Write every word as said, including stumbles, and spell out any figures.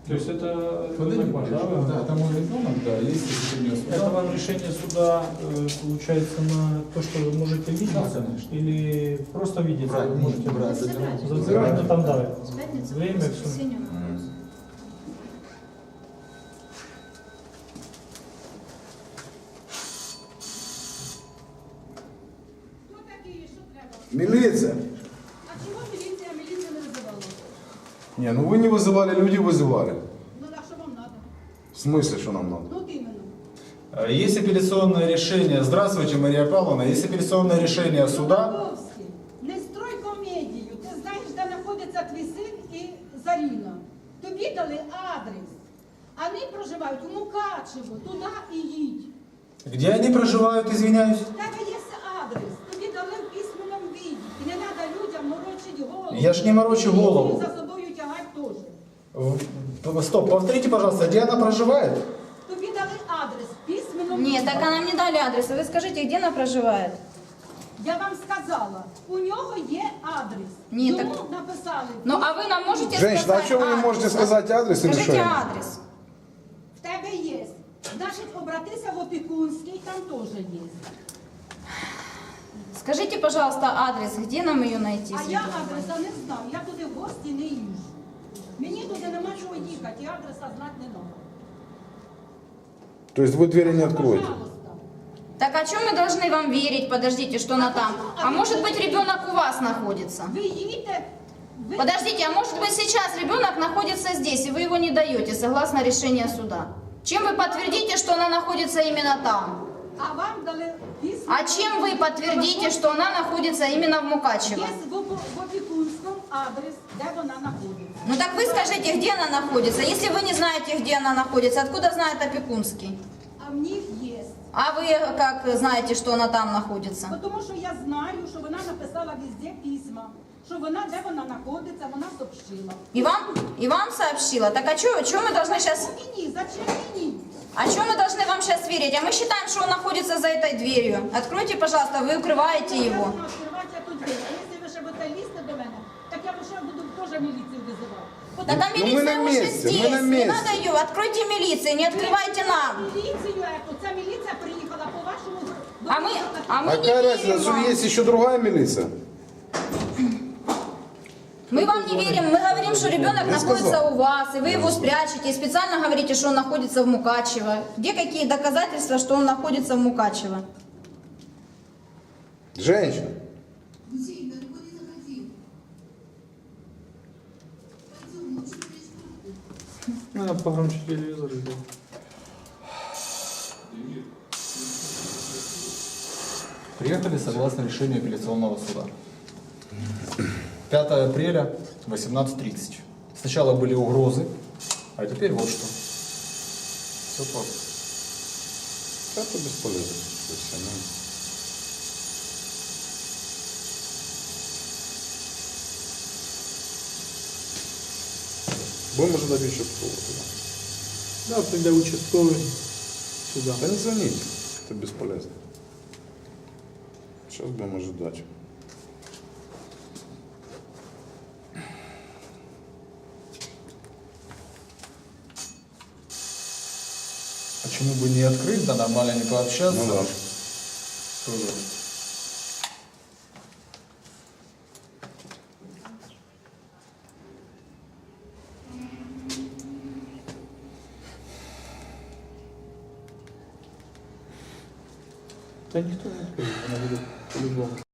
То есть это Подойди, нормально, да? да, да, там мой ребенок, да, есть решение суда. Это вам решение суда э, получается на то, что вы можете видеть, Да, конечно. или просто видеть, Брать, вы не можете брать, забирать, забирать. но там да, С пятницы время, по все. воскресенье на Мгм. улицу. Милиция. А чого міліція? Міліція не визивала. Не, ну вы не вызывали, люди вызывали. Ну так що вам треба? В смысле, что нам надо? Ну от іменно. Есть апелляционное решение. Здравствуйте, Мария Павловна. Есть апелляционное решение суда. Лобковський, не строй комедію. Ти знаєш, де знаходиться твій син і Заріна. Тобі дали адрес. Вони проживають у Мукачево, туди і їдь. Где они проживают, извиняюсь? В тебе є адрес. Тобі дали в письменному віді. І не треба людям морочити голову. Я ж не морочу голову. І за собою тягати теж. В- Стоп, повторите, пожалуйста, где она проживает? Тобі дали адрес в письменному Нет, так віді. а нам не дали адреса. Вы скажите, где она проживает? Я вам сказала, у нього є адрес. Ні, Йому так- написали. Ну а вы нам можете Женщина, сказать а что вы не адрес? можете сказать адрес или что? Скажите адрес. В тебе є. Значить, обратися в Опікунський, там теж є. Скажите, пожалуйста, адрес, где нам ее найти? А я адреса не знаю, я туди в гості не їжджу. Мені туди нема чого їхати, і адреса знати не треба. То есть вы двери не откроете? Пожалуйста. Так а чем мы должны вам верить? Подождите, что она там? А может быть ребенок у вас находится? Ви їдете, ви... Подождите, а может быть сейчас ребенок находится здесь, и вы его не даете, согласно решению суда? Чем вы подтвердите, что она находится именно там? А вам дали письмо. А чем вы подтвердите, что она находится именно в Мукачево? Є в, Оп- в Опікунському адрес, де вона знаходиться. Ну так вы скажите, где она находится? Если вы не знаете, где она находится, откуда знает Опекунский? А в них є. А вы как знаете, что она там находится? Бо Тому що я знаю, що вона написала везде письма, що вона, де вона знаходиться, вона сообщила. И вам, и вам сообщила? Так а что мы должны сейчас... Ну мені, зачем мені? А что мы должны вам сейчас верить? А мы считаем, что он находится за этой дверью. Откройте, пожалуйста, вы укрываете Я его. знаю, відкривати я тут двері. А якщо ви ще будете лізти до мене, так я ще буду теж міліцію визивати. Бо Так тому а Ну, мы милиция на уже месте, здесь. мы на Не месте. надо ее. Откройте милицию, не открывайте нам. Міліцію ету, ця міліція приїхала по вашому... до А мы, а мы А не какая верим разница, что вам. есть еще другая милиция? Мы вам не верим, мы говорим, что ребенок Я находится сказал. у вас, и вы его спрячете, и специально говорите, что он находится в Мукачево. Где какие доказательства, что он находится в Мукачево? Женщина. Надо погромче телевизор сделать. Приехали согласно решению апелляционного суда. пятое апреля, восемнадцать тридцать. Сначала были угрозы, а теперь вот что. Все просто. Это бесполезно. То есть она- Будем ожидать участкового туда. Да, тогда участковый сюда. Да не звоните, это бесполезно. Сейчас будем ожидать. Почему бы не открыть, да нормально не пообщаться? Ну да. Тоже. Да никто не откроет, она будет по-любому.